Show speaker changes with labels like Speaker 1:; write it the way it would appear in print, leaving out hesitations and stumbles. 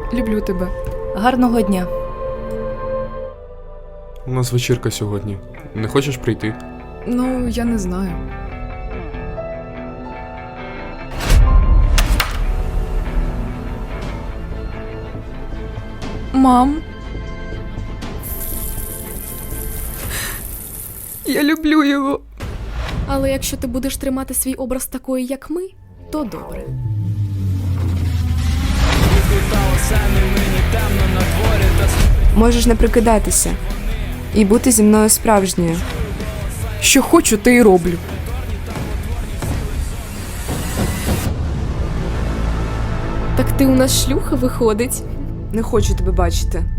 Speaker 1: Люблю тебе.
Speaker 2: Гарного дня.
Speaker 3: У нас вечірка сьогодні. Не хочеш прийти?
Speaker 1: Ну, я не знаю. Мам. Я люблю його.
Speaker 4: Але якщо ти будеш тримати свій образ такої, як ми, то добре.
Speaker 5: Можеш не прикидатися і бути зі мною справжньою.
Speaker 1: Що хочу, те й роблю.
Speaker 4: Так ти у нас шлюха виходить?
Speaker 5: Не хочу тебе бачити.